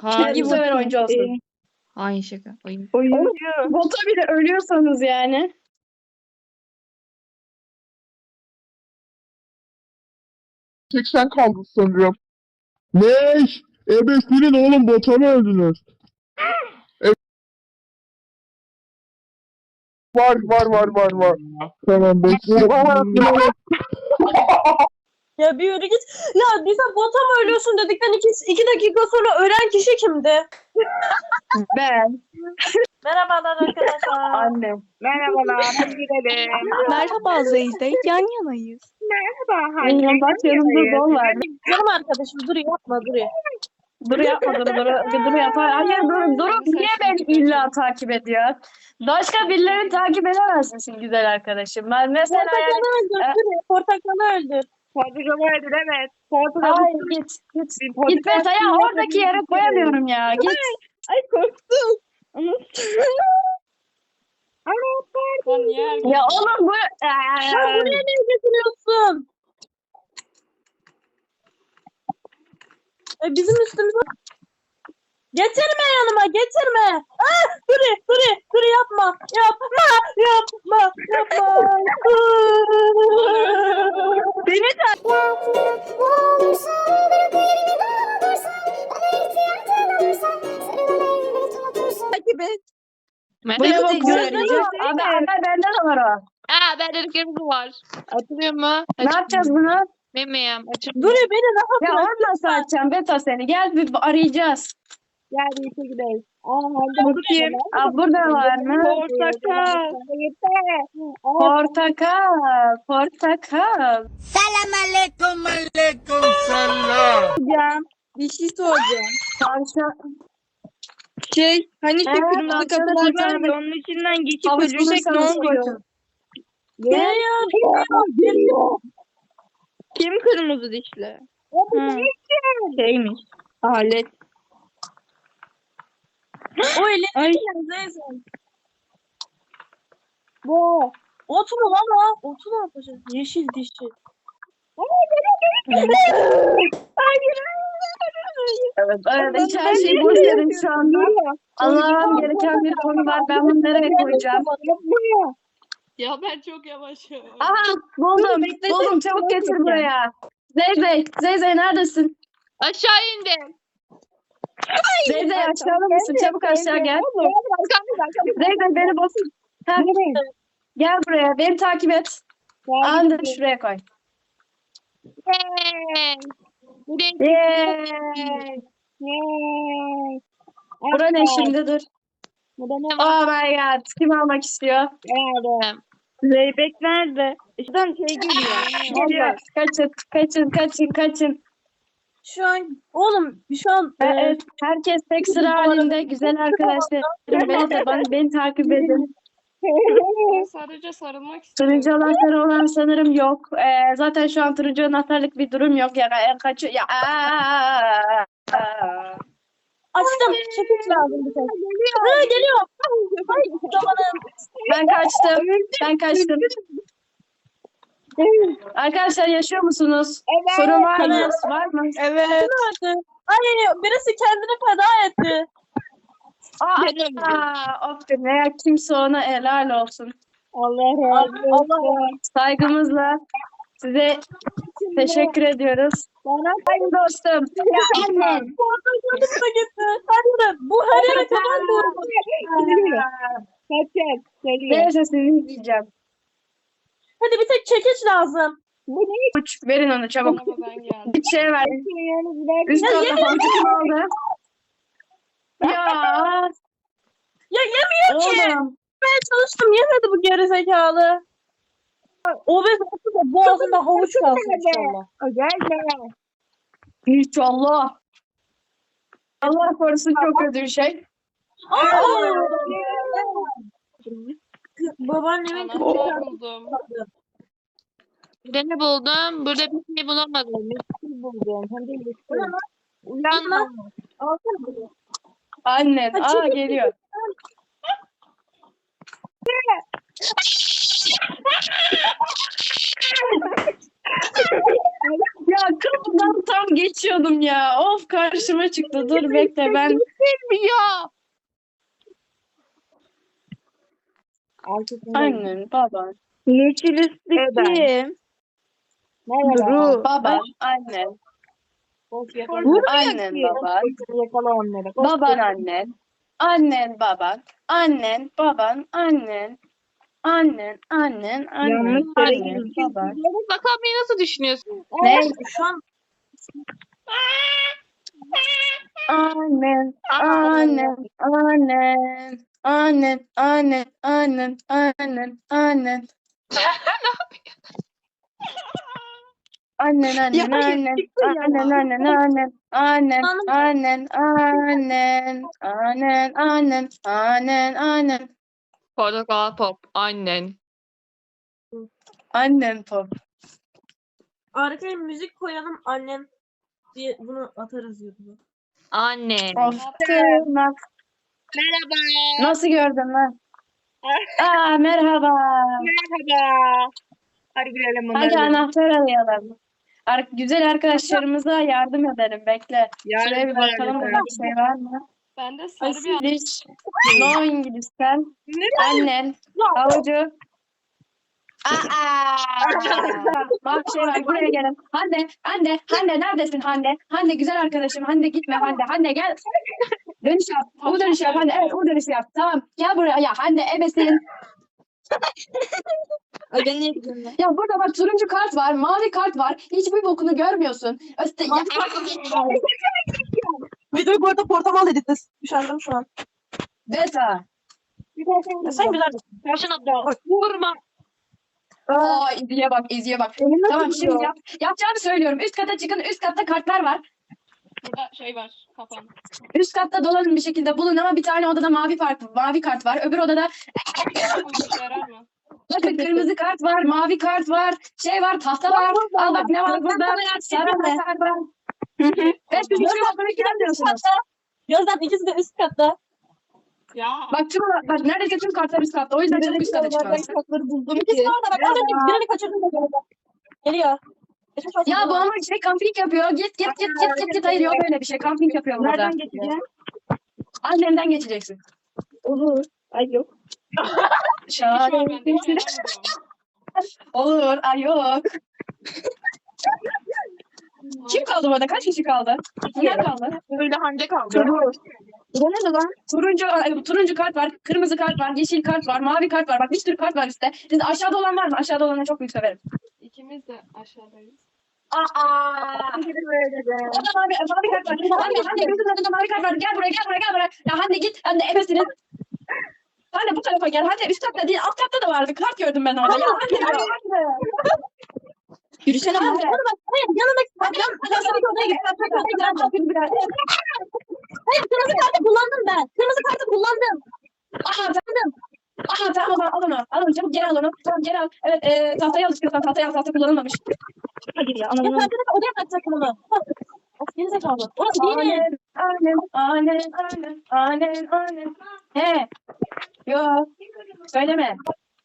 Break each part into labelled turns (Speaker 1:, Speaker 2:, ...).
Speaker 1: Hangi
Speaker 2: Bu sefer
Speaker 1: bot?
Speaker 2: oyuncu olsun.
Speaker 1: Hain şaka. Oyun.
Speaker 3: Oyuncu.
Speaker 2: Bota bile ölüyorsanız yani.
Speaker 4: Tek sen kaldın sanırım. Ne? Ebesinin oğlum bota mı öldünüz? Var. Tamam bekliyorum.
Speaker 3: Ya bir yürü git. Ya bize bota mı ölüyorsun dedikten iki dakika sonra ölen kişi kimdi?
Speaker 2: Ben.
Speaker 3: Merhabalar arkadaşlar.
Speaker 2: Annem.
Speaker 5: Merhabalar, hadi gidelim.
Speaker 1: Merhaba Zeyde. Yan yanayız.
Speaker 5: Merhaba,
Speaker 2: Benim bak yanımda Don var.
Speaker 3: Canım arkadaşım dur yapma dur ya.
Speaker 2: Dur yapma dur yapar. Hayır dur niye beni illa takip ediyor? Başka birilerini takip edemez misin güzel arkadaşım? Ben mesela yani...
Speaker 3: Portakalı öldür. Dur ya, portakalı öldür.
Speaker 5: Portakalı öldür, evet. Portakalı
Speaker 2: Hayır git. Git mesela oradaki yere koyamıyorum ya. Git.
Speaker 5: Ay korktum. Ama pardon.
Speaker 2: Ya oğlum bu...
Speaker 3: Ya buraya ne getiriyorsun? Bizim üstümüze... Getirme yanıma getirme. Ah, dur yapma.
Speaker 2: Beni de...
Speaker 3: Takip et.
Speaker 2: Bu ne bok
Speaker 1: Merhaba.
Speaker 2: söyleyeceğim? Haber bende de var o.
Speaker 1: Bende de kırmızı var. Açılıyor mu?
Speaker 2: Ne yapacağız bunu?
Speaker 1: Bilmiyorum.
Speaker 3: Dur ya beni rahat
Speaker 2: Ya
Speaker 3: bırak.
Speaker 2: oradan satacağım Beto seni. Gel bir arayacağız.
Speaker 5: Gel birlikte gidelim.
Speaker 3: Bu kim?
Speaker 2: Aa, burada var mı?
Speaker 5: Portakal.
Speaker 2: Portakal.
Speaker 3: Hocam bir şey soracağım.
Speaker 2: Tavşan.
Speaker 3: Hani
Speaker 2: işte kırmızı kapılar var ya,
Speaker 3: onun içinden geçip
Speaker 2: Havuç bulursanız koyun.
Speaker 3: Kim kırmızı dişli? Şeymiş. Alet. O elini
Speaker 5: Bu.
Speaker 3: Otu mu lan o? Otu ne yapacağız? Yeşil dişi.
Speaker 2: Evet, hiç her şeyi boş verin şu anda. Anlamam gereken bir konu var. Ben bunu nereye koyacağım?
Speaker 1: Ya ben çok yavaşım.
Speaker 2: Aha buldum. Çabuk getir buraya. Zeyzey neredesin?
Speaker 1: Aşağı indim.
Speaker 2: Zeyzey aşağıda mısın? Çabuk aşağı gel. Zeyzey beni basın. Gel buraya. Beni takip et. Andır şuraya koy.
Speaker 1: Hey.
Speaker 2: Yay. Bura ne şimdi dur.
Speaker 5: Burada ne var?
Speaker 2: Oh my god. Kim almak istiyor?
Speaker 1: Geldim.
Speaker 3: Zeybek nerede? Şuradan şey geliyor.
Speaker 2: Geliyor. Kaçın.
Speaker 3: Şu an
Speaker 2: Evet, herkes tek sıra halinde. Güzel arkadaşlarım. Beni takip edin.
Speaker 6: Ben sadece sarılmak istiyorum.
Speaker 2: Turuncu anahtarı olan sanırım yok. Zaten şu an turuncu anahtarlık bir durum yok. Ya kaçıyor. Ya.
Speaker 3: açtım. Çekiç lazım bir tek. Geliyor. Ay zamanım.
Speaker 2: Ben kaçtım. Arkadaşlar yaşıyor musunuz?
Speaker 5: Evet.
Speaker 2: Sorun var mı? Var mı?
Speaker 3: Evet. Nerede? Ay birisi kendini feda etti.
Speaker 2: Of be, ne kimse ona helal olsun.
Speaker 5: Allah razı olsun.
Speaker 2: Saygımızla size teşekkür ediyoruz. Haydi dostum. Ya anne.
Speaker 3: Gördüm da gitti. Her yere. Bu her yere kadar doğru.
Speaker 5: Kaçak. Geliyor.
Speaker 2: Neyse sizi izleyeceğim.
Speaker 3: Hadi bir tek çekiç lazım.
Speaker 2: Uç, verin onu çabuk.
Speaker 6: Ama ben geldim.
Speaker 2: Bir şey ver. Üst tarafta fantastik oldu. Ya.
Speaker 3: Ya yemiyor ki.
Speaker 2: Oğlum.
Speaker 3: Ben çalıştım yemedi bu gerizekalı. O bez olsa da boğazında havuç kalsın inşallah.
Speaker 5: Gelme.
Speaker 2: İnşallah. Allah korusun çok kötü bir şey.
Speaker 3: Babaannemin
Speaker 6: Anahtar buldum.
Speaker 1: Burada ne buldum? Burada bir şey bulamadım. Bir şey buldum. Hem de yeşil. Uyanma.
Speaker 2: Annen. Geliyor. Ya kapıdan tam geçiyordum ya. Of karşıma çıktı. Dur bekle ben.
Speaker 1: Ya.
Speaker 5: Arkasında.
Speaker 2: Annen, baban,
Speaker 3: Yeşil üstlü
Speaker 5: Evet.
Speaker 3: kim?
Speaker 5: Merhaba.
Speaker 3: Duru.
Speaker 2: baban, annen,
Speaker 5: Koş yakala.
Speaker 2: annen, baban,
Speaker 5: Yakala onları. Koş.
Speaker 2: baban, annen, annen, baban, annen, baban, annen, annen, annen,
Speaker 3: Yanlış
Speaker 2: annen,
Speaker 3: yere
Speaker 2: annen,
Speaker 3: girdim.
Speaker 2: baban.
Speaker 1: Bakalım nasıl düşünüyorsun?
Speaker 2: Ne?
Speaker 3: Şu an
Speaker 2: Annen, annen, annen, annen, annen, annen, annen, annen. Annen, annen, annen, annen, annen, annen, annen, annen, annen, annen, annen, annen, annen,
Speaker 1: Portakal pop. Annen.
Speaker 2: annen pop.
Speaker 3: arkaya müzik koyalım annen diye bunu atarız YouTube'a.
Speaker 1: Annen.
Speaker 2: Of, tırnak.
Speaker 5: Merhaba.
Speaker 2: Nasıl gördün lan? Aa, merhaba.
Speaker 5: Merhaba. Hadi girelim
Speaker 2: Hadi
Speaker 5: bunları.
Speaker 2: anahtar arayalım. Güzel arkadaşlarımıza yardım edelim. Bekle. Şuraya bir bakalım burada bir şey var mı?
Speaker 6: Bende sarı bir
Speaker 2: İngiliz. No İngiliz sen. Annen. Avucu. Aa! Bak şey var buraya gelin. Hande neredesin Hande? Hande güzel arkadaşım. Hande gitme Hande. Hande gel. Dönüş yap. Bu dönüş yap Hande. Evet bu dönüş yap. Tamam. Gel buraya. Ya Hande ebesin. Ya burada bak turuncu kart var. Mavi kart var. Hiçbir bokunu görmüyorsun.
Speaker 3: Videoyu bu arada portamal editledim. Üşendim şu an.
Speaker 2: Beta.
Speaker 3: Ya sen güzel.
Speaker 1: Başına da vurma.
Speaker 2: Aa İzi'ye bak İzi'ye bak. Tamam şimdi yapacağımı söylüyorum. Üst kata çıkın. Üst katta kartlar var.
Speaker 6: burada şey var kafam.
Speaker 2: Üst katta dolanın bir şekilde bulun ama bir tane odada mavi kart var. Öbür odada
Speaker 6: Bu işe yarar mı?
Speaker 2: bakın kırmızı kart var, mavi kart var, şey var, tahta var. Al bak ne var burada? Sarı kart var. Beş bir şey olduğunu görmüyorsunuz.
Speaker 3: Gözden ikisi de üst katta.
Speaker 6: Ya.
Speaker 2: Bak neredeyse tüm kartlar üst katta. O yüzden çabuk üst kata çıkmalısın.
Speaker 3: İkisi de orada bak. Az önce birini kaçırdım da geldi. Geliyor. Geçmiş olsun.
Speaker 2: Ya bu ama şey kamping yapıyor. Git. Hayır yok öyle bir şey. Kamping yapıyor burada.
Speaker 3: Nereden geçeceğim?
Speaker 2: Annemden geçeceksin.
Speaker 3: Olur. Ay yok.
Speaker 6: Şu an bende var,
Speaker 2: Şahane.
Speaker 6: yaramıyorum.
Speaker 2: Olur. Ay yok. Kim kaldı burada? Kaç kişi kaldı? Kim kaldı?
Speaker 1: Böyle Hande kaldı.
Speaker 2: Bu ne lan? Turuncu kart var, kırmızı kart var, yeşil kart var, mavi kart var. Bak bir sürü kart var üstte. Siz aşağıda olan var mı? Aşağıda olanı çok büyük severim.
Speaker 6: İkimiz de aşağıdayız.
Speaker 2: Orada mavi kart var. Hande gözünün önünde mavi kart var. Gel buraya. Ya Hande git. Hande ebesinin. Hande bu tarafa gel. Hande üst katta değil, alt katta da vardı. Kart gördüm ben orada. Ya Hande. Yürüsene Hande.
Speaker 3: Yanındaki Hayır kırmızı kartı kullandım ben. Kırmızı kartı kullandım.
Speaker 2: Aha tamam al onu. Al onu çabuk geri al onu. Tamam geri al. Evet tahtayı al istiyorsan tahtayı al. Tahta kullanılmamış. Hadi ya
Speaker 3: Ya
Speaker 2: anladım.
Speaker 3: kartı da odaya bırakacaktım onu. Of geri zekalı. Orası değil.
Speaker 2: Annen. He. Yok. Söyleme.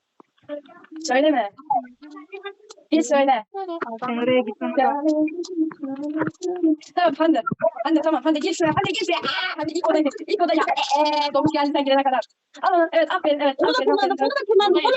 Speaker 2: Bir söyle.
Speaker 5: Nereye gitmem?
Speaker 2: Tamam Hande tamam. Hande gir şuraya. Hadi ilk odaya. Domuz geldi sen girene kadar. Al onu. Evet aferin. Evet.
Speaker 3: Onu da kullandım.
Speaker 2: Ya,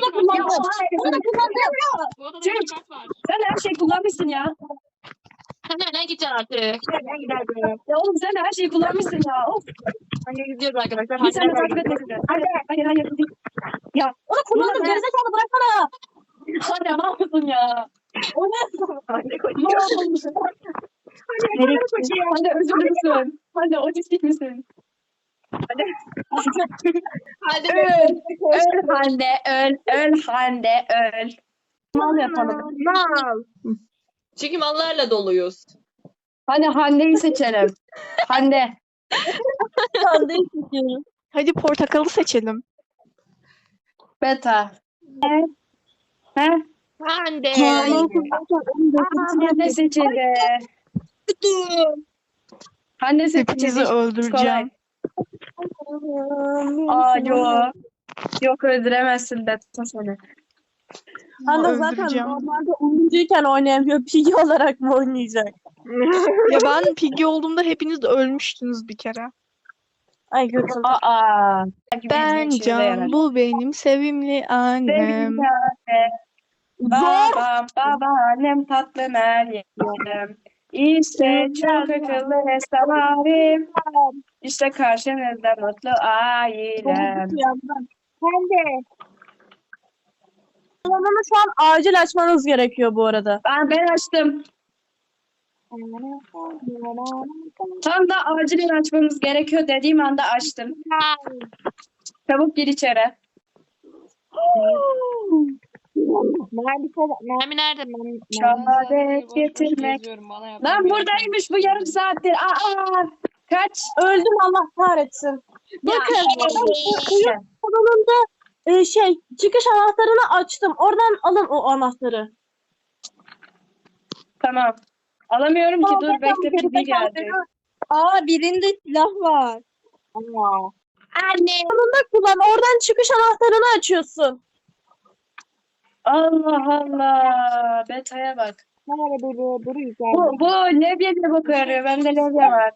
Speaker 6: Bu odada bir kart var.
Speaker 2: sen her şeyi kullanmışsın ya.
Speaker 1: Nereden gideceksin artık?
Speaker 5: Ben giderim.
Speaker 2: Ya oğlum sen de her şeyi kullanmışsın ya. Of.
Speaker 1: Hande gidiyoruz arkadaşlar.
Speaker 2: Bir sen de
Speaker 1: Hande
Speaker 2: takip etme sizi. Hayır. Ya
Speaker 3: Onu kullandım. Gerizekalı bıraksana.
Speaker 2: Hande ne yapıyorsun ya?
Speaker 3: O ne?
Speaker 2: Ne yapıyorsun? Hande özürlü müsün? Hande otistik misin? Öl Hande öl. Mal yapalım.
Speaker 5: Mal.
Speaker 1: Çünkü mallarla doluyuz.
Speaker 2: Hadi Hande'yi seçelim. Hande.
Speaker 3: Sandığı seçiyorum.
Speaker 7: Hadi portakalı seçelim.
Speaker 2: Beta. He?
Speaker 1: Hande.
Speaker 2: Hande seçildi. Hande seçildi.
Speaker 7: Hepinizi öldüreceğim.
Speaker 2: Aa yok. Yok öldüremezsin Beta seni.
Speaker 3: Hande zaten
Speaker 7: Öldüreceğim.
Speaker 3: normalde oyuncuyken oynayamıyor. Piggy olarak mı oynayacak?
Speaker 7: Ya ben Piggy olduğumda hepiniz de ölmüştünüz bir kere.
Speaker 3: Ay götüm.
Speaker 2: Aa.
Speaker 7: Ben Can, bu benim sevimli annem.
Speaker 2: Babam, babaannem tatlı Meryem. İşte çok akıllı hesabim. İşte karşınızda mutlu ailem.
Speaker 1: Hande.
Speaker 3: Alanını şu an acil açmanız gerekiyor bu arada.
Speaker 2: Ben açtım. Tam da acilen açmamız gerekiyor dediğim anda açtım. Çabuk gir içeri.
Speaker 1: Mermi nerede?
Speaker 2: Şehadet getirmek. Lan buradaymış bu yarım saattir. Aa, kaç?
Speaker 3: Öldüm Allah kahretsin. Bakın
Speaker 2: Ya.
Speaker 3: salonunda çıkış anahtarını açtım. Oradan alın o anahtarı.
Speaker 2: Tamam. Alamıyorum ki dur
Speaker 3: Zaten
Speaker 2: bekle
Speaker 3: geri
Speaker 2: bilgi
Speaker 3: zekalı
Speaker 2: geldi.
Speaker 7: Aa birinde silah var.
Speaker 2: Anne.
Speaker 3: Kullan oradan çıkış anahtarını açıyorsun.
Speaker 2: Allah Allah. Beta'ya bak. Bu levyeyle bakıyor. Bende levye var.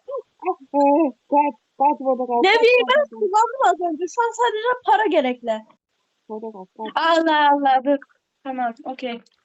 Speaker 3: Levyeyi ben kullandım az önce. Şu an sadece para gerekli.
Speaker 2: Allah Allah dur. Tamam okey.